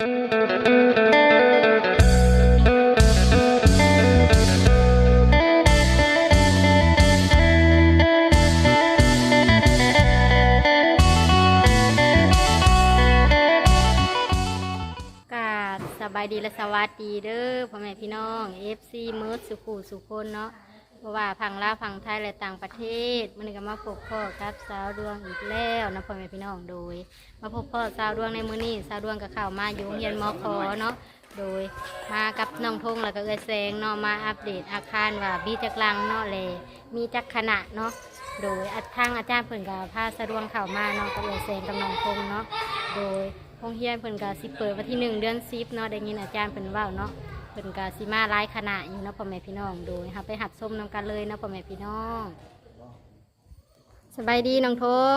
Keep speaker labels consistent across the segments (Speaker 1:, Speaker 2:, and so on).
Speaker 1: สบายดีและสวัสดีเด้อพ่อแม่พี่น้อง FC มืดสุขุสุคนเนาะเพราะว่าพังลาวพังไทยและต่างประเทศมันก็มาพบพ่อกับสาวดวงอีกแล้วนะพ่อแม่พี่น้องโดยมาพบพ่อสาวดวงในมื้อนี้สาวดวงก็เข้ามาอยู่โรงเรียนมค.เนาะโดยมากับน้องทงแล้วก็เอื้อแสงเนาะมาอัปเดตอาคารว่ามีจักรังเนาะแลมีจักขณะเนาะโดยทางอาจารย์เพิ่นก็พาสาวดวงเข้ามาเนาะกับเอื้อแสงกับน้องทงเนาะโดยโรงเรียนเพิ่นก็สิเปิดวันที่1 เดือน 10เนาะได้ยินอาจารย์เพิ่นเว้าเนาะเพิ่นก็สิมาหลายคณะอยู่เนาะพ่อแม่พี่น้องโดยไปหัดส้มนํกันเลยเนาะพ่อแม่พี่น้องสบายดีน้องทง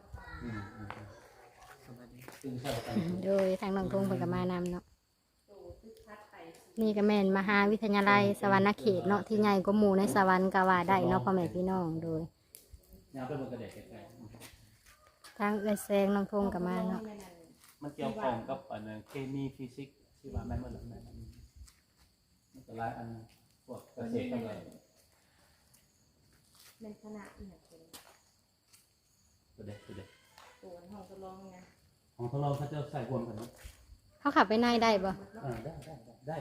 Speaker 1: โดยทางน้องทงเพิ่นก็มานำเนาะนี่ก็แม่นมหาวิทยาลัยสวรรณเขตเนาะที่ใหญ่กว่าหมู่ในสวรรค์ก็ว่าได้เนาะพ่อแม่พี่น้องโดยทางเอื้อแสงน้องทงก็มาเนาะ
Speaker 2: มันเกี่ยวข้องกับอันเคมีฟิสิกส์ที่ว่าแม่นบ่ล่ะแม่นมันก็หลายอันพวกเกษตรก็เลย
Speaker 3: เป็นขนาดอีกอย่าง
Speaker 2: ตัวเด็ก
Speaker 3: ตัวห้องทดลองไง
Speaker 2: ของเขาจะใส่รวมกันเนาะ
Speaker 1: เขาขับไปในได้บ่
Speaker 2: ได้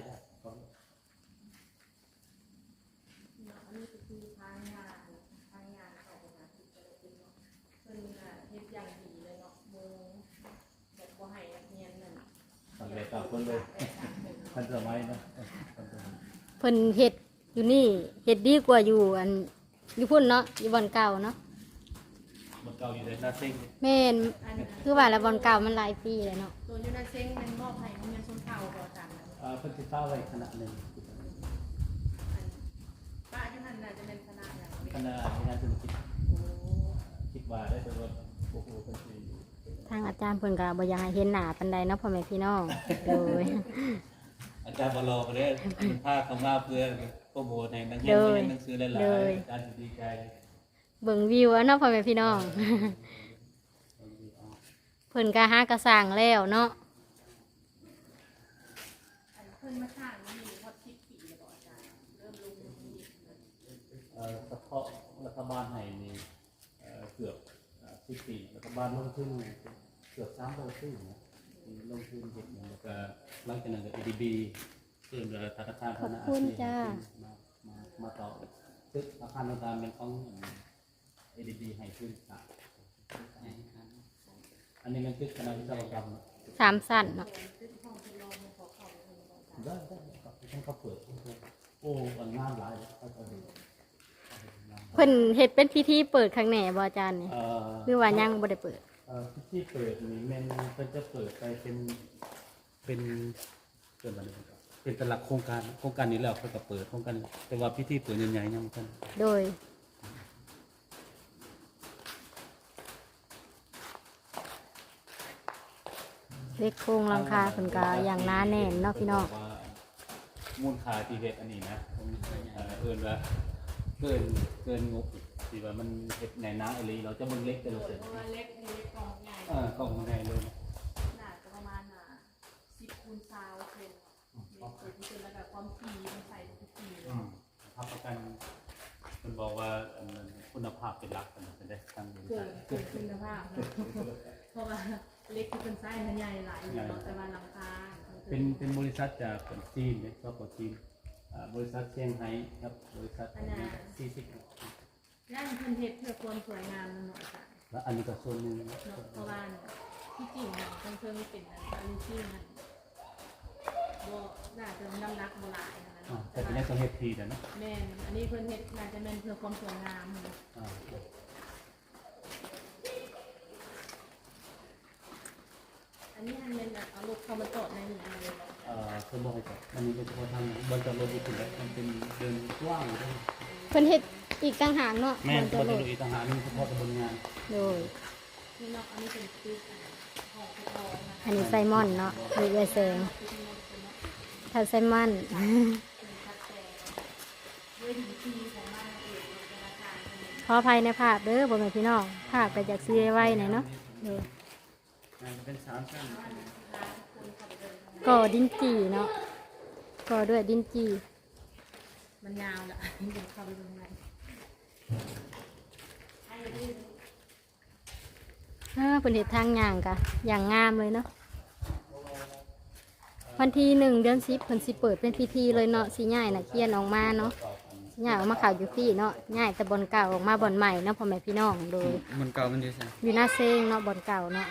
Speaker 3: อันนี้คือทางงานของงานที่จะเป็นเนาะเป็นเฮ็ดอย่างดีเลยเนาะโมแบบบ่ให้นักเรียนนั่น
Speaker 2: สำเร็จตามคนเลยทันสมัยนะ
Speaker 1: เพิ่นเฮ็ดอยู่นี่เฮ็ดดีกว่าอยู่อันอยู่พุ่นเนาะอยู่บ่อนเก่าเนาะ
Speaker 2: บ่อนเก่าอยู่ในหน้าเซ็ง
Speaker 1: แม่นคือว่าแล้วบ่อนเก่ามันหลายปีแล้วเนาะ
Speaker 3: ตัวอยู่ในเซ็งมันมอบให้มันชนเผ่าบ่ตาม
Speaker 2: เพิ่นสิฟ้าไว้ขนาดนึง
Speaker 3: ป้าที่นั่นน่ะจะเป็นคณะอย่าง
Speaker 2: คณะงานธุรกิจคิดว่าได้แต่ว่าโอ้โหเพิ่นสิ
Speaker 1: ทางอาจารย์เพิ่นก็บ่อยากให้เห็นหน้าปานใดเนาะพ่อแม่พี่น้องโดย
Speaker 2: อาจารย์บ่รอก็ได้พาเข้ามาเพื่อโปรโมทให้นักเรียนเรียนหนังสือหลายๆอาจารย์ดีใจ
Speaker 1: เบิ่งวิวเนาะพ่อแม่พี่น้องเพิ่นก็หากระสร้างแล้วเนาะ
Speaker 3: เพิ่นมาสร้างนี่ฮอด10 ปีแล้วบ่อาจารย์เริ่มลงมือ
Speaker 2: เฉพาะรัฐบาลให้นี่เกือบ10 ปีรัฐบาลลงทุนเกือบ300ปีนะลงทุนเฮ็ดหยังแล้วก็หลังจากนั้นก็ ADB ซึ่งธนาคาร
Speaker 1: ขอบคุณจ้า
Speaker 2: มาต่อตึกอาคารต่างๆเป็นของ ADB ให้ขึ้นอันนี้มันตึกคณะวิศวกรรม
Speaker 1: 3 ชั้นเนาะ
Speaker 2: ได้ต้องเขาเปิดโอ้อันงานหลาย
Speaker 1: เพิ่นเฮ็ดเป็นพิธีเปิดครั้งแหน่บ่อาจารย์นี่หรือว่ายังบ่ได้เปิด
Speaker 2: พิธีเปิดนี่แม่นเพิ่นจะเปิดไปเป็นเป็นหลักโครงการนี้แล้วเพิ่นก็เปิดโครงการแต่ว่าพิธีเปิดใหญ่ๆยังบ่ทัน
Speaker 1: โดยเล็กโครงหลังคาเพิ่นก็อย่างหนาแน่นเนาะพี่น้อง
Speaker 2: มูลค่าที่เฮ็ดอันนี้นะเอิ้นว่าเกินงบที่ว่ามันเฮ็ดในน้าอีหลีเราจะเบิ่งเล็กแต่เราเสร็จ
Speaker 3: เล็กกล่องใหญ่
Speaker 2: กล่องใหญ่เลย
Speaker 3: น่าจะประมาณ10 คูณ 20 เซนเปิดที่เป็นระดับความถี่มันใส่ทุกที
Speaker 2: รับประกันมันบอกว่าคุณภาพเป็นหลักกันจะได้ทางบริษัท
Speaker 3: คุณภาพเพราะว่าเล็กที่เป็นไส้มันใหญ่หลายอยู่แต่ว่าหลังคา
Speaker 2: เป็นบริษัทจากจีนเนี่ยก็ของจีนบริษัทเซี่ยงไฮ้ครับบริษัท
Speaker 3: 40ย่านเพิ่นเฮ็ดเพื่อความสวยงามมันเนาะจ้ะ
Speaker 2: แล้วอันนี้ก็ส่วนนึง
Speaker 3: เพราะว่าที่จริงมันเพิ่งเป็นอันที่มันบ่น่าจะน้ำหนักบ่หลายนะเนาะ
Speaker 2: แต่เป็นต้องเฮ็ดทีนะ
Speaker 3: แม่นอันนี้เพิ่นเฮ็ดน่าจะแม่นเพื่อความสวยงามอันนี้อันเป็นเอารถเข้ามาจอดในนี้เลย
Speaker 2: เพิ่นบ่ให้จอดอันนี้เป็นเฉพาะทางบนจอดรถอยู่แล้วมันเป็นเดินกว้างเลย
Speaker 1: เพิ่นเฮ็ดอีกต่างหากเนาะ
Speaker 2: แม่นบ่ได้อีกต่างหากนี่เฉพาะบนงาน
Speaker 1: โดย
Speaker 3: นี่เนาะอันนี้เป็นตึก
Speaker 1: อันนี้ไซมอนเนาะมีเอเซงถ้าไซมอนขออภัยในภาพเด้อบ่แม่พี่น้องภาพก็จากซีไว้หน่อยเนาะ
Speaker 2: จะเป็น3ชั้น
Speaker 1: ก่อดินจีเนาะก่อด้วยดินจี
Speaker 3: มันยาวแหละเดี๋ยวเข้าไปดูข้างใน
Speaker 1: เป็นเห็ดทางย่างกะอย่างงามเลยเนาะวันที่1 เดือน 10เพิ่นสิเปิดเป็นพิธีเลยเนาะสิย้ายน่ะเขียนออกมาเนาะสิย้ายออกมาข่าวอยู่พี่เนาะย้ายแต่บ่อนเก่าออกมาบ่อนใหม่เนาะพ่อแม่พี่น้องโดย
Speaker 2: มันเก่ามันอยู่ไส
Speaker 1: อยู่หน้าเซงเนาะบ่อนเก่าเนาะ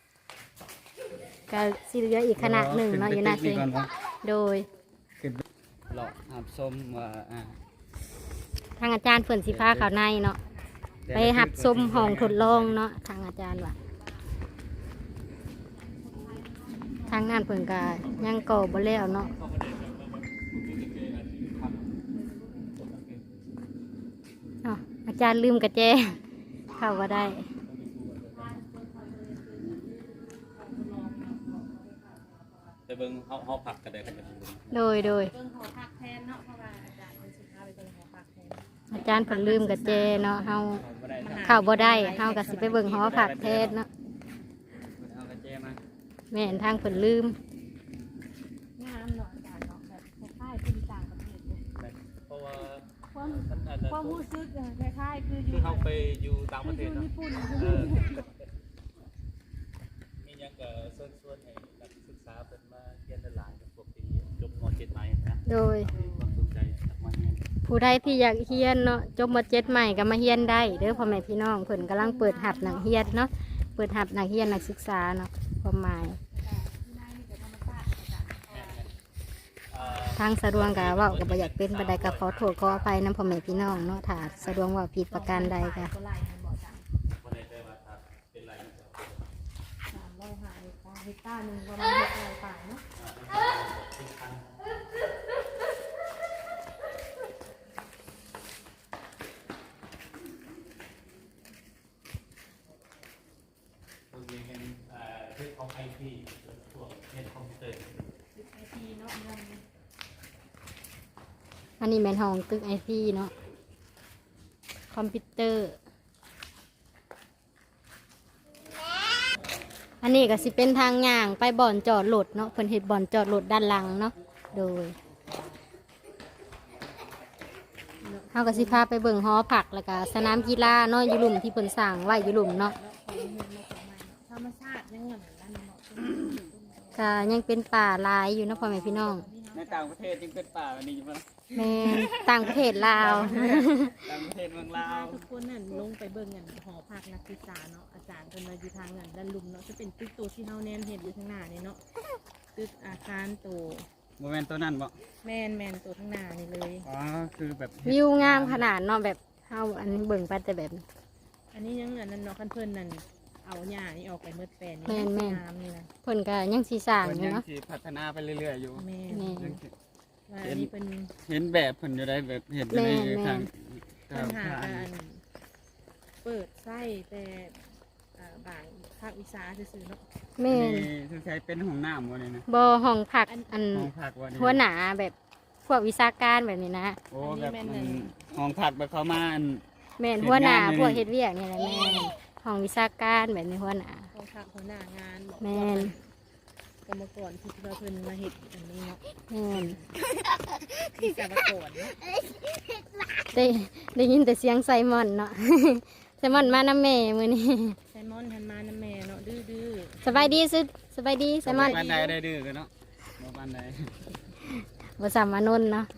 Speaker 1: ก็สิเหลืออีกคณะหนึ่งเนาะอยู่หน้าเซงโดย
Speaker 2: ขึ้นเลาะหับส้มว่า
Speaker 1: ทางอาจารย์เพิ่นสิพาเข้าในเนาะไปหับส้มห้องทดลองเนาะทางอาจารย์ว่าทางงานเพิ่นก็ยังก่อบ่แล้วเนาะอ้าวอาจารย์ลืมกระแจเข้าบ่ได้
Speaker 2: ไปเบิ่งเฮาผักก็ได้ครับ
Speaker 1: โดย
Speaker 3: เบิ่งหอพักแทนเนาะเพราะว่าอาจารย์เป็นสิพาไปเบิ่งหอพักแทน
Speaker 1: อาจารย์เพิ่นลืมกระแจเนาะเฮาเข้าบ่ได้เฮาก็สิไปเบิ่งหอผักแทนเนาะ
Speaker 2: เอากระเจมา
Speaker 1: แม่นทางเพิ่นลืม
Speaker 3: งามเนาะอาจารย์เนาะแบบคล้ายๆคือต่างประเทศเลย
Speaker 2: เพราะว่า
Speaker 3: ความ
Speaker 2: มันอาจจะ
Speaker 3: ความรู้สึกคล้ายๆคืออ
Speaker 2: คื
Speaker 3: ยู่
Speaker 2: อเฮาไปอยู่ต่างประเทศ
Speaker 3: อยู่
Speaker 2: เนาะ
Speaker 3: ญี่ปุ่น
Speaker 2: มีหยังก็ส่วนให้นักศึกษาเพิ่นมาเรียนหลายๆกับพวกที่จบม .7 ใหม่นะ
Speaker 1: โดย
Speaker 2: ความสนใจจากมาเนี่ย
Speaker 1: ผู้ใดที่อยากเฮียนเนาะจบม .7 ใหม่ก็มาเฮียนได้เด้อพ่อแม่พี่น้องเพิ่นกำลังเปิดหับหนังเฮียนเนาะเปิดหับหนังเฮียนนักศึกษาเนาะความหมายทางสะดวงกะเว่ากับอยากเป็นบันไดก็ขอโทษขออภัยนำพ่อแม่พี่น้องเนาะถ้าสะดวงว่าผิดประการใดก็
Speaker 3: ก็ไล่ให้บอกจัง
Speaker 2: บ่ได้แต่ว่าถ้าเป็นไรมันก็
Speaker 3: 300เฮกตาร์หนึ่งประมาณ600ป่าเนาะ
Speaker 2: พวกนี้เป็นเรื่องของ IT พวกเรียนคอมพิวเตอร์
Speaker 3: ไอทีเนาะเมืองนี้
Speaker 1: อันนี้แม่นห้องตึกไอทีเนาะคอมพิวเตอร์ อันนี้ก็สิเป็นทางย่างไปบ่อนจอดรถเนาะเพิ่นเฮ็ดบ่อนจอดรถด้านหลังเนาะโดยเฮาก็สิพาไปเบิ่งหอผักแล้วก็สนามกีฬาเนาะอยู่หลุมที่เพิ่นสร้างไว้อยู่หลุมเนาะ
Speaker 3: ธรรมชาติยังเหมือนนั้นเนาะ
Speaker 1: ก็ยังเป็นป่าหลายอยู่เนาะพ่อแม่พี่น้อง
Speaker 2: ในต่างประเทศจึงเป็นป่าแบบนี้อยู่ป่ะ
Speaker 1: แม่ต่างประเทศลาว
Speaker 2: ต่างประเทศเมืองลาว
Speaker 3: ทุกคนนั่นลงไปเบิ่งกันหอพักนักศึกษาเนาะอาจารย์เพิ่นมาอยู่ทางนั้นด้านลุมเนาะจะเป็นตึกโตที่เฮาแนมเห็นอยู่ข้างหน้านี่เนาะตึกอาคารโต
Speaker 2: โมเมนต์ตัวนั้นบ่
Speaker 3: แม่นโตข้างหน้านี่เลย
Speaker 2: อ๋อคือแบบ
Speaker 1: วิวงามขนาดเนาะแบบเฮาอันเบิ่งไปแต่แบบ
Speaker 3: อันนี้ยังอันนั้นเนาะคันเพิ่นนั่นเอาหญ้านี่ออกไปเมื่อแปลนนี่
Speaker 1: แม่น
Speaker 3: งามนี่นะ
Speaker 1: เพิ่นก็ยังสิสร้าง
Speaker 2: เพิ่น
Speaker 1: อยู่
Speaker 2: ยัง
Speaker 1: เนาะ
Speaker 2: สิพัฒนาไปเรื่อยๆอยู่
Speaker 3: แม่น
Speaker 1: แม่
Speaker 2: ยังสิ
Speaker 3: ว่าอันนี้เป็น
Speaker 2: เห็นแบบเพิ่นอยู่ได้แบบเห็นอยู่ใน
Speaker 1: แม่น
Speaker 2: ทาง
Speaker 3: ปัญหาการเปิดไส้แต่บางภาควิชาซื่อๆเนาะ
Speaker 1: แม่น
Speaker 2: นี่คือใช้เป็นห้องน้ำบ่นี่นะ
Speaker 1: บ่ห้องผักอัน
Speaker 2: ห้องพักบ่นี่
Speaker 1: หัวหน้าแบบพวกวิชาการแบบนี้นะ
Speaker 2: โอ้แบบมันห้องพักแบบเขามาอัน
Speaker 1: แม่น
Speaker 2: เฮ็ด
Speaker 1: หัวหน้าง
Speaker 2: านนี่
Speaker 1: พวกเฮ็ดเวียกนี่แหละแม่นห้องวิชาการแบบนี้หัวหน้า
Speaker 3: เขาทักหัวหน้างานบอก
Speaker 1: แม่
Speaker 3: ว่าน กรรมกรที่เราเพิ่นมาเฮ็ดอันนี้เนาะ
Speaker 1: แม่น
Speaker 3: วิศวกรเนาะ
Speaker 1: ได้ยินแต่เสียงไซมอนเนาะ ไซมอนมาน้ำแม่มื้อนี้
Speaker 3: ไซมอนทันมานะแม่เนาะดื้อ
Speaker 1: สบายดีสุดสบายดีไซมอน
Speaker 2: บ้านใดได้ดื้อกันเนาะบ่บ้านใด
Speaker 1: บ่สามานนท์เนาะ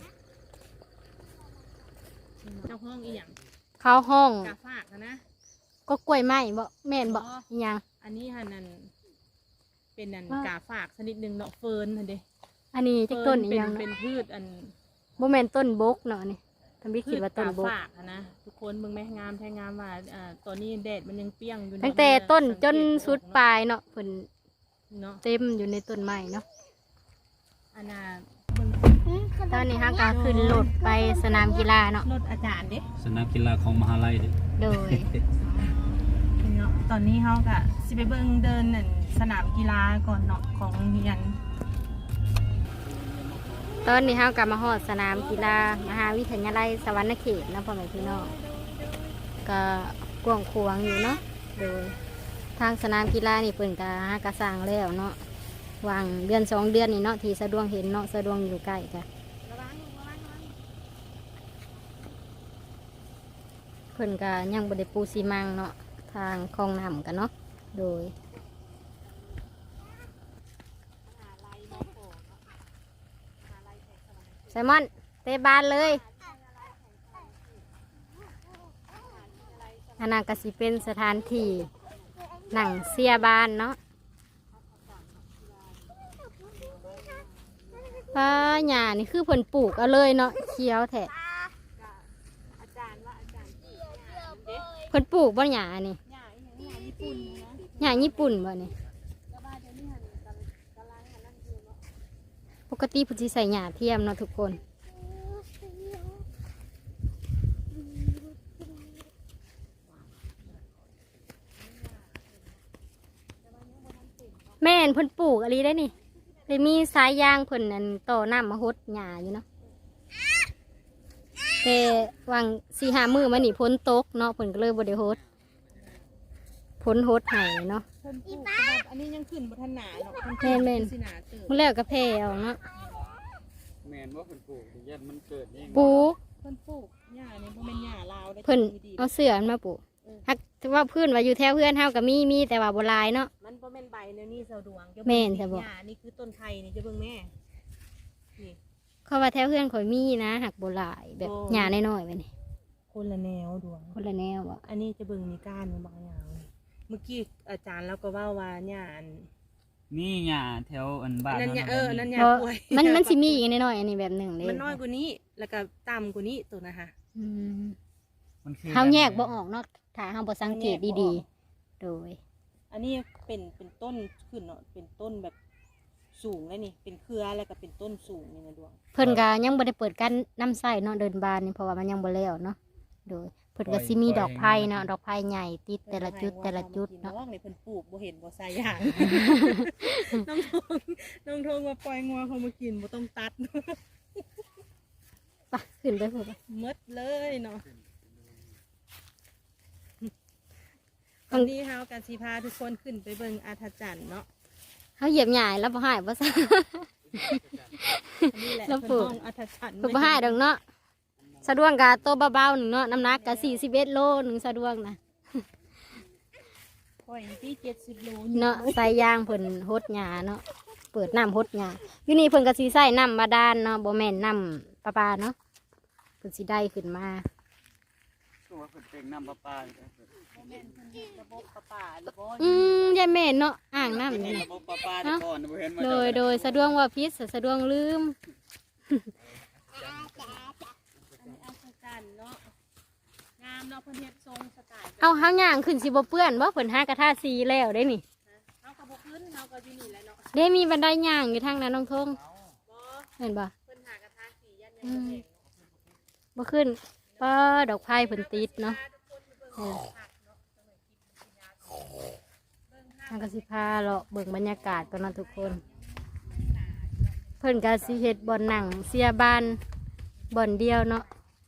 Speaker 3: ๆเจ้าห้องอีหยัง
Speaker 1: เข้าห้อง
Speaker 3: กาฝากนะ
Speaker 1: ก็กล้วยไม้บ่แม่นบ่อีหยัง
Speaker 3: อันนี้หันนั่นเป็นนั่นกาฝากชนิดหนึ่งเนาะเฟิร์นหั่นเด้
Speaker 1: อันนี้จักต้นอี
Speaker 3: เป็
Speaker 1: หยัง
Speaker 3: เป็
Speaker 1: เนาะ
Speaker 3: นพืชอัน
Speaker 1: บ่แม่นต้นบกเนาะนี่ทำบิด
Speaker 3: พื
Speaker 1: คิด
Speaker 3: ช
Speaker 1: ว่าต้น
Speaker 3: กา
Speaker 1: บก
Speaker 3: ฝากอะนะทุกคนเบิ่งแม่งามแท้งามว่าตอนนี้แดดมันยังเปรี้ยงอยู่เนาะ
Speaker 1: ตั้งแต่ต้นจนสุดปลายเนาะเพิ่น
Speaker 3: เนาะ
Speaker 1: เต็มอยู่ในต้นไม้เนาะ
Speaker 3: อันน่ะเบิ่ง
Speaker 1: ตอนนี้ฮะก็ขึ้นรถไปสนามกีฬาเนาะ
Speaker 3: รถอาจารย์เด้
Speaker 2: สนามกีฬาของมหาลัยเด้
Speaker 1: โดย
Speaker 3: เนาะตอนนี้เขาก็สิไปเบิ่งเดินนั่นสนามกีฬาก่อนเนาะของเรียน
Speaker 1: ตอนนี้ฮะก็มาฮอดสนามกีฬามหาวิทยาลัยสวรรณเขตเนาะพ่อแม่พี่น้องก็กว้างขวางอยู่เนาะโดยทางสนามกีฬานี่เปิ่นกระสร้างแล้วเนาะวางเดือน2 เดือนนี่เนาะที่สะดวกเห็นเนาะสะดวกอยู่ใกล้จ้ะเพิ่นก็ยังบ่ได้ปูซีมังเนาะทางคลองน้ำกันเนาะโดยไซมอนเตะบานเลยอันนั้นก็สิเป็นสถานที่หนังเสียบานเนาะป้าหญ้านี่คือเพิ่นปลูกเอาเลยเนาะเขียวแท้เพิ่นปลูกบ่หญ้านี่หญ้าญี่ปุ่นบ่นี่ปกติเพิ่นสิใส่หญ้าเทียมเนาะทุกคนแม่นเพิ่นปลูกอะไรได้นี่เลยมีสายยางเพิ่นนั่นต่อน้ำมาหดหญ้าอยู่เนาะแต่วาง4-5 มื้อมานี่ฝนตกเนาะเพิ่นก็เลยบ่ได้หดฝนหดให้เนาะ
Speaker 3: เพิ่นปลูกแต่ว่าอันนี้ยังขึ้นบ่ทันหนาเนาะ
Speaker 1: แม่น
Speaker 3: สิหนาเติบ
Speaker 1: มื้อแล้วก็แผ่เอาเนาะ
Speaker 2: แม่นว่าเพิ่นปลูกยันมันเกิดเอง
Speaker 1: ปลูก
Speaker 3: เพิ่นปลูกหญ้านี่บ่แม่นหญ้าลาวได้
Speaker 1: เพิ่น
Speaker 3: ดี
Speaker 1: เอาเสื้อมันมาปลูกฮักว่าพื้นว่าอยู่แถวเพื่อนเฮาก็มีแต่ว่าบ่หลายเนาะ
Speaker 3: มันบ่แม่นใบแนวนี้เสาดวง
Speaker 1: แม่นจ้ะบ่
Speaker 3: หญ้านี่คือต้นไผ่นี่จะเบิ่งแม่นี่
Speaker 1: เขาว่าแถวเพื่อนข่อยมีนะหักบ่หลายแบบ
Speaker 3: โอ้
Speaker 1: หญ้าน้อยๆไปนี่
Speaker 3: คนละแนวดวง
Speaker 1: คนละแนวบ่
Speaker 3: อันนี้จะเบิ่งมีก้านมันบางอย่างเมื่อกี้อาจารย์เราก็ว่าหญ้าอัน
Speaker 4: นี่หญ้าแถวอันบ้าน
Speaker 3: อันนั้นหญ้า
Speaker 4: เฮา
Speaker 3: อันนั้นหญ้า
Speaker 1: เพราะ
Speaker 3: ป่วย
Speaker 1: มันสิมีอีกน้อยๆอันนี้แบบหนึงเด้
Speaker 3: มันน้อยกว่านี้แล้วก็ต่ำกว่านี้ตัวนะคะ
Speaker 1: อืม
Speaker 4: มันคือ
Speaker 1: เฮาแยกบ่ออกเนาะถ้าเฮาบ่สังเกตดีๆโดย
Speaker 3: อันนี้เป็นต้นขึ้นเนาะเป็นต้นแบบสูงเลยนี่เป็นเครือแล้วก็เป็นต้นสูงนี่นะดวง
Speaker 1: เพิ่นก็ยังบ่ได้เปิดการน้ำใส่เนาะเดินบานนี่เพราะว่ามันยังบ่แล้วเนาะโดยเพิ่นก็สิมีดอกไผ่เนาะดอกไผ่ใหญ่ติดแต่ละจุดเนาะ
Speaker 3: ว่างในเพิ่นปลูกบ่เห็นบ่ใส่ยาง น้องทงมาปล่อยงัวเขามากินบ่ต้องตัด
Speaker 1: ไปขึ้นไปพุ่น
Speaker 3: หมดเลยเนาะวันนี้เฮากันสิพาทุกคนขึ้นไปเบิ่งอาถรรพ์เนาะ
Speaker 1: เฮาเหยียบหญ้าแล้วบ่หายบ่ซะ
Speaker 3: อันนี้แหละ
Speaker 1: แล้วปลู
Speaker 3: เพิ่น
Speaker 1: ก
Speaker 3: ห้องอาถรรพ์
Speaker 1: เพิ่นบ่หายดอกเนาะสะดวกกะโตเบาๆหนึงเนาะน้ำหนักกะ41 โลหนึงสะดวกนะ
Speaker 3: ปล่อยที่70 โล
Speaker 1: เนาะใส่ยางเพิ่นหดหญ้าเนาะเปิดน้ำหดหญ้าอยู่นี่เพิ่นก็สิใส่น้ำบาดาลเนาะบ่แม่นน้ำประปาเนาะเพิ่นสิได้ขึ้นมา
Speaker 4: ตัวเพิ่นเป็นน้ำประปาอยู่แล้ว
Speaker 3: ระบบประปาหรือบ่
Speaker 1: ยายแม่นเนาะอ่างน้ำนี่
Speaker 4: ระบบประปาแต่ก่อนบ่เห็นมา
Speaker 1: โดยสะดวกว่าพิษสะดวกลืม
Speaker 3: อันนี้อาถรรพ์เนาะงามเนาะเพิ่นเฮ็ดทรงสไตล์
Speaker 1: เอาเฮาย่างขึ้นสิบ่เปื้อนบ่เพิ่นหากระทาสีแล้วได้นี่
Speaker 3: เฮาก็บ่ขึ้นเฮาก็อยู่นี่แหละเนาะ
Speaker 1: ได้มีบันไดย่างอยู่ทางนั้นน้องทง
Speaker 3: บ่
Speaker 1: เห็นบ่
Speaker 3: เพิ่นหากระทาสียันยังบ่แห้ง
Speaker 1: บ่ขึ้นป้าดอกไผ่เพิ่นติดเนาะทางกสิพาเลาะเบิ่งบรรยากาศกันเนาะทุกคน เพิ่นก็สิเฮ็ดบ่อนหนังเสียบ้านบ่อนเดียวเนาะ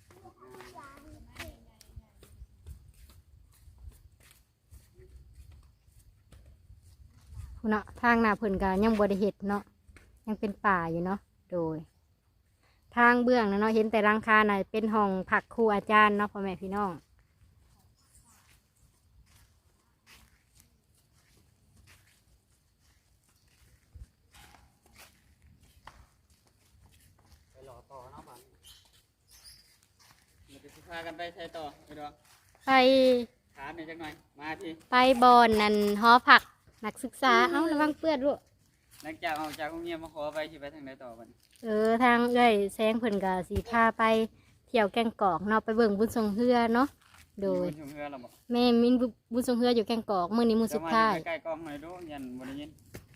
Speaker 1: เนาะทางหน้าเพิ่นก็ยังบ่ได้เฮ็ดเนาะยังเป็นป่าอยู่เนาะโดย ทางเบื้องนะเนาะเห็นแต่หลังคาน่ะเป็นห้องพักครูอาจารย์เนาะพ่อแม่พี่น้อง
Speaker 4: มันจะสิพากันไปใช้ต่อไปดอก
Speaker 1: ไป
Speaker 4: ถามหน่อยจักหน่อยมาที
Speaker 1: ไปบอนนั่นหอผักนักศึกษาเอ้าระวังเปื้อนลูก
Speaker 4: หลังจากออกจากโรงเรียนมาขอไปสิไปทางไหนต่อบัดนี้
Speaker 1: ทางเอ้ยแซงเพิ่นก็สีพาไปเที่ยวแกงกอกเนาะไปเบิ่งบุญทรงเฮือเนาะโดย
Speaker 4: มีคนชุมเฮือเราบ่
Speaker 1: แม่มินบุญทรงเฮืออยู่แกงกอกมื้อนี้มื้อสุดท้าย
Speaker 4: ใกล้ๆกล้องหน่อยดูยันบ่ได้ยิน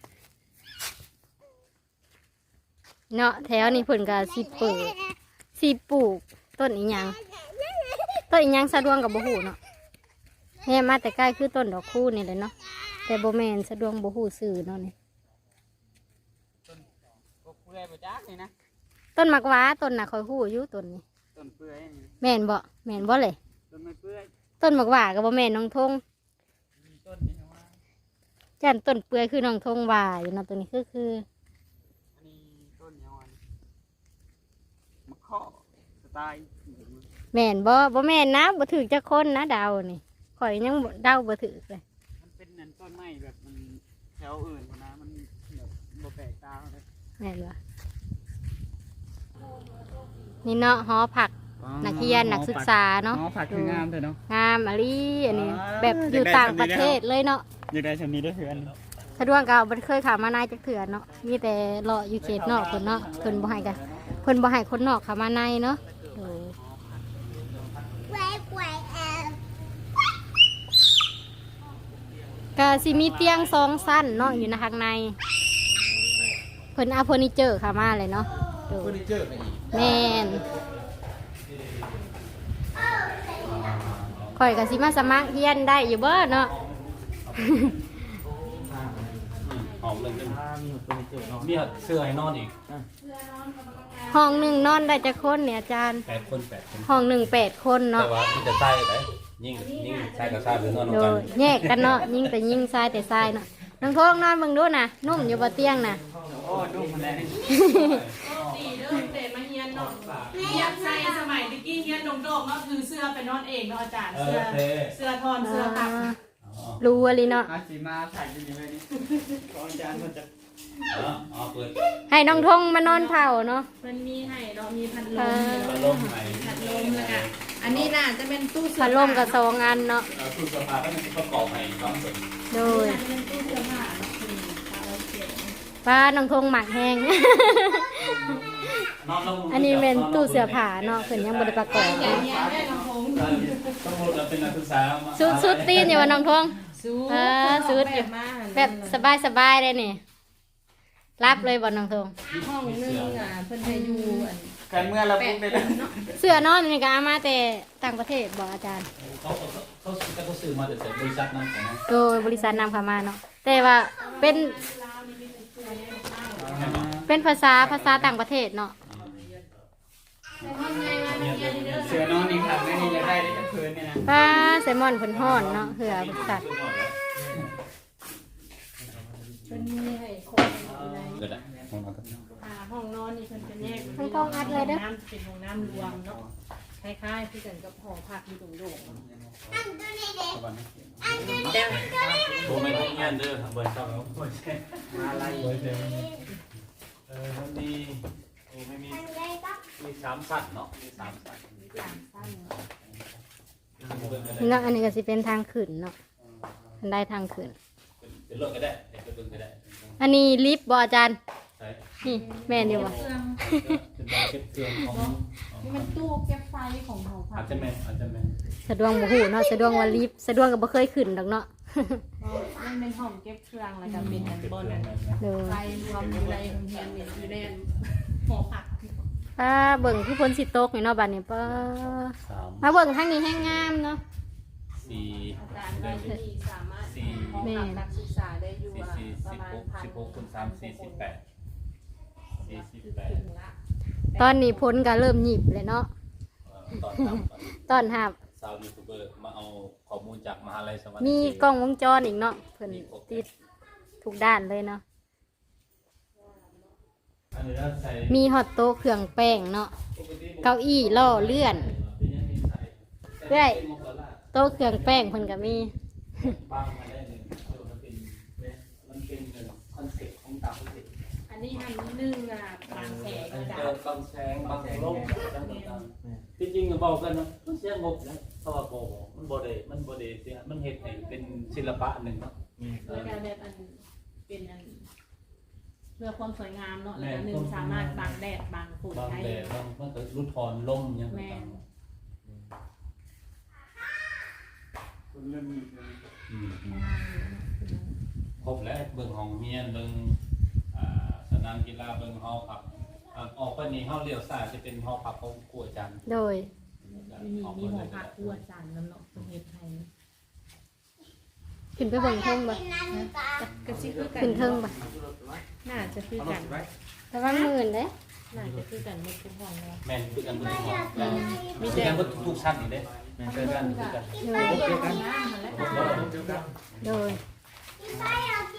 Speaker 1: เนาะแถวนี้เพิ่นก็สิเปิดสิปลูกต้นอีหยังต้นอีหยังสะดวกกับบ่ฮู้เนาะแม่มาแต่ใกล้คือต้นดอกคูนี่แหละเนาะแต่บ่แม่นสะดวกบ่ฮู้ชื่อเนาะนี่
Speaker 4: ก็เปื่อยบ่จักนี่นะ
Speaker 1: ต้นมักหว้าต้นน่ะค่อยฮู้อยู่ต้นนี้
Speaker 4: ต้นเปื่อยนี่
Speaker 1: แม่นบ่เลย
Speaker 4: ต้นไม่เปื่อย
Speaker 1: ต้นมักหว้าก็บ่แม่นน้องทง
Speaker 4: มีต้นนี่นะว่า
Speaker 1: จันต้นเปื่อยคือน้องทงว่าอยู่เนาะตัวนี้คือ
Speaker 4: อันนี้ต้นยังไงมะข้อสไตล์
Speaker 1: แม่นบ่แม่นนะบ่ถือจักคนนะดาวนี่ข่อยยังบ่เดาบ่ถือเลย
Speaker 4: มันเป็นนั่นต้นไม้แบบมันแถวอื่นนะมันแบบบ่แปลกตาเลย
Speaker 1: แม่นบ่นี่เนาะหอผักนักเรียนนักศึกษาเนาะ
Speaker 4: อ๋อผักคืองามเลยเนาะ
Speaker 1: งามอะลีอันนี้แบบอยู่ต่างประเทศเลยเนาะ
Speaker 4: อยากได้ชมนี้ด้วยเพื่อน
Speaker 1: สะดวกก็บ่เคยเข้ามานายจักเถื่อเนาะมีแต่เลาะอยู่เขตนอกเพิ่นเนาะเพิ่นบ่ให้กันเพิ่นบ่ให้คนนอกเข้ามาในเนาะโอ้ก็สิมีเตียง2ชั้นเนาะอยู่ในข้างในเพิ่นเอาเฟอร์นิเจอร์เข้ามาเลยเนาะโด
Speaker 2: เฟอย ร์นิเจอร์ไปอีก
Speaker 1: แม่นข่อยก็สิมาสมัครเรียนได้อยู่เบ้อเนาะ
Speaker 2: หอมเลยนึงมีเสื้อให้นอนอีก
Speaker 1: ห้องหนึ่งนอนได้จะคนเนี่ยอาจารย์
Speaker 2: 8 คน
Speaker 1: ห้องหนึ่ง8 คน
Speaker 2: แต่
Speaker 1: เนาะ
Speaker 2: ว่ามีแต่ใต้ได้ยิ่งใต้กับใต้หรือนอน
Speaker 1: โด
Speaker 2: กัน
Speaker 1: ยแยกกันเนาะยิ่งแต่ยิ่งทรายแต่ทรายเนาะน้องโทงนอนเบิ่งดูนะนุ่มอยู่บนเตียงนะ
Speaker 4: โอ้ดูมันแรง
Speaker 3: ตีเด้อเตะมาเฮียนเนาะเฮียนใส่สมัยตะกี้เฮียนดงโดกเนาะคือเสื้อไปนอนเองเนาะอาจารย์เสื้อทอนเสื้อผัก
Speaker 1: รู้อะไรเนาะ
Speaker 4: อาสีมาถ่ายกันอยู่เลยนี่ขออาจารย์มันจะ
Speaker 2: อ๋อเปิด
Speaker 1: ให้น้องทงมานอนเผาเนาะ
Speaker 3: มันมีให้เนาะมีพัดล
Speaker 2: พัดลมใหม่
Speaker 3: พัดลมแล้วก็อันนี้น่าจะเป็นตู้เสื้อ
Speaker 1: พัดลมกับสองอันเนาะ
Speaker 2: ตู้เสื้อผ้าก็มันประกอบให้2ส่วน
Speaker 1: โดย
Speaker 3: น่าจะเป็นตู้เสื้อผ้าเนาะคือเอาเก็บ
Speaker 1: ป้าน้องทงหมักแห้ง อันนี้เป็นตู้เสื้อผ้าเนาะเพิ่นยังบ่ได้ประกอบ
Speaker 3: แก
Speaker 1: เนาะ
Speaker 3: เฮียนได้ลำโพง
Speaker 2: ต้องพูดเราเป็นนักศึกษา
Speaker 1: สุดตีนอยู่ว่าน้องทง
Speaker 3: สู
Speaker 1: สุดอยู่
Speaker 3: มา
Speaker 1: แบบสบายเลยนี่รับเลยบ่น้องทง
Speaker 3: ห้องนึงอ่ะเพิ่นให้อยู่อัน
Speaker 4: การเมื่อเรา
Speaker 3: แป
Speaker 4: พู
Speaker 3: ด
Speaker 4: ดไป
Speaker 3: ค
Speaker 4: แล้ว
Speaker 3: นเนาะ
Speaker 1: เสื้อนอนนี่ก็เอามาแต่ต่างประเทศบ่อาจารย์
Speaker 2: เขาซื้อมาแต่บริษัทนั้นของ
Speaker 1: โดยบริษัทนำเข้ามาเนาะแต่ว่าเป็นภาษาต่างประเทศเนาะ
Speaker 4: เสือนอนอีกครั้งนี่จะได้ได้คืนเนี่ยนะ
Speaker 1: ป้าแซลมอนเพิ่นฮ้อนเนาะเหือบริษัท
Speaker 3: เพิ่นมีให้คนอยู่ใน
Speaker 2: เกิดอะของเรา
Speaker 3: ห้องนอนนี่เพิ่นจะแยก
Speaker 1: ห้องกองอัดเลยเด้อ
Speaker 3: น้ำเป็นห้องน้ำรวมเนาะคล้ายๆที่กันกับหอพักอยู่โด่งๆเนาะ
Speaker 2: โบไม่ต้องเงี้ยเด้อเบอร์เจ้าแล้วเบอร์แช่
Speaker 4: มาอะไร
Speaker 2: เบอร์เจ้ามันมีมี3สัตว์เนาะมี3สัตว์
Speaker 1: เนาะอันนี้ก็สิเป็นทางขึ้นเนาะอันได้ทางขึ้น
Speaker 2: เป็นเรื่องก็ได้เป็นเรื่องก็ได้
Speaker 1: อันนี้ลิฟต์บ่อาจารย์
Speaker 2: ใช่
Speaker 1: นี่แม่นอยู่บ่
Speaker 3: เครื่อง
Speaker 2: เป็นการเก็บเครื่องของ
Speaker 3: นี่มันตู้เก็บไฟของหอพั
Speaker 2: อาก จจะแม่อาจจะแม่
Speaker 1: สะดวกบ่ฮู้เนาะสะดวกว่าลิฟต์สะดวกก็บ่เคยขึ้นดอกเนาะ
Speaker 3: มันเป็นห้องเก็บเครื่องแล้วก็เป็นอันบนอัน
Speaker 1: โดย
Speaker 3: ไฟรวมอยู่ในโรงเรียนเนี่ยอยู่ในหอพัก
Speaker 1: ป้าเบิ่งคือฝนสิตกนี่เนาะบัดนี้ป้า
Speaker 2: 3
Speaker 1: มาเบิ่งทางนี้แห้งงามเนาะ
Speaker 2: 4
Speaker 3: อาจารย์ว่าที่สามารถ
Speaker 2: สี่
Speaker 3: ห้องพักนักศึกษาได้อยู่อะประมาณ
Speaker 2: 16คูณ3 48 48
Speaker 3: ละ
Speaker 1: ตอนนี้พ้นก็เริ่มหยิบเลยเนาะ
Speaker 2: ตอนทำ
Speaker 1: ตอนหับ
Speaker 2: สาวยูทูบเบอร์มาเอาข้อมูลจากมหาลัยสวรรค์
Speaker 1: มีกล้องวงจรอีกเนาะเพิ่นติดทุกด้านเลยเนาะ
Speaker 2: อันนี้เราใส่
Speaker 1: มีฮอตโต๊ะเครื่องแป้งเนาะเก้าอี้ล่อเลื่อนเรื่อยโต๊ะเครื่องแป้งเพิ่นก็มี
Speaker 2: บางมาได้หนึ่งมันเป็นคอนเซ็ปต์ของต่างประเทศ
Speaker 3: อันนี้อันนึงอ่ะบางแสงอาจารย์
Speaker 2: บางแสงบางแสงลมจริงๆก็บอกกันนะมันเสียงบนะเพราะว่าโบมันโบเดเสียมันเห็ดให้เป็นศิลปะหนึ่งเนาะ
Speaker 3: แล้วก็แบบอันเป็นอันเพื่อความสวยงามเนาะแล้วก็หนึ่งสามารถบังแดดบังฝน
Speaker 2: บาง
Speaker 3: ได้
Speaker 2: แดดบางมันก็รุดถอนลมอย่าง
Speaker 3: แม่
Speaker 2: ต่าง
Speaker 4: คุณเริ่มมีเลย
Speaker 2: ครบแล้วเบิ่งห้องเฮียนเบิ่งสนามกีฬาเบิ่งหอพักออกไปนี่ห้องเลี้ยวซ้ายจะเป็นหอพักของครูอาจารย์
Speaker 1: โดย
Speaker 3: มีหอพักคู่อาจารย์แล้วเนาะประเทศไทย
Speaker 1: ขึ้นไปเบิ่งเทิงบ่
Speaker 3: ก็ซิคือกัน
Speaker 1: ขึ้นเทิงบ่
Speaker 3: น่าจะคือกัน
Speaker 1: แต่ว่าหมื่นเด้
Speaker 3: น่าจะคือกันไม่คุ้มห้องเลย
Speaker 2: แม่นคือกันเบิ่งห้องมีแต่ว่าทุกชั้นนี่เด้แม่นคือกันคือกัน
Speaker 1: โดย
Speaker 3: น้ำมันและ
Speaker 1: โดย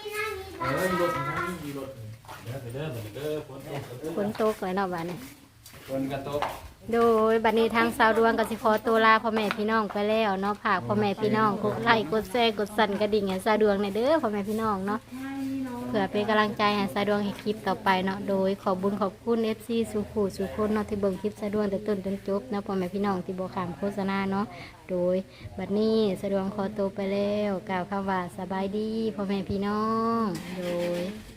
Speaker 2: ไปเด้อไปเด้อฝนตกเด้อ
Speaker 1: ฝนตกเลยเนาะบัดนี้
Speaker 2: ฝนกระตก
Speaker 1: โดยบัดนี้ทางสาวดวงก็สิขอตัวลาพ่อแม่พี่น้องไปแล้วเนาะฝากพ่อแม่พี่น้องกดไลค์กดแชร์กดสั่นกระดิ่งให้สาวดวงในอยเด้อพ่อแม่พี่น้องเนาะเพื่อเป็นกำลังใจให้สาวดวงให้คลิปต่อไปเนาะโดยขอบุญขอบคุณ FC สุขุสุคนเนาะที่เบิ่งคลิปสาวดวงแต่ต้นจนจบเนาะพ่อแม่พี่น้องที่บ่ข้ามโฆษณาเนาะโดยบัดนี้สาวดวงขอตัวไปแล้วกล่าวคำว่าสบายดีพ่อแม่พี่น้องโดย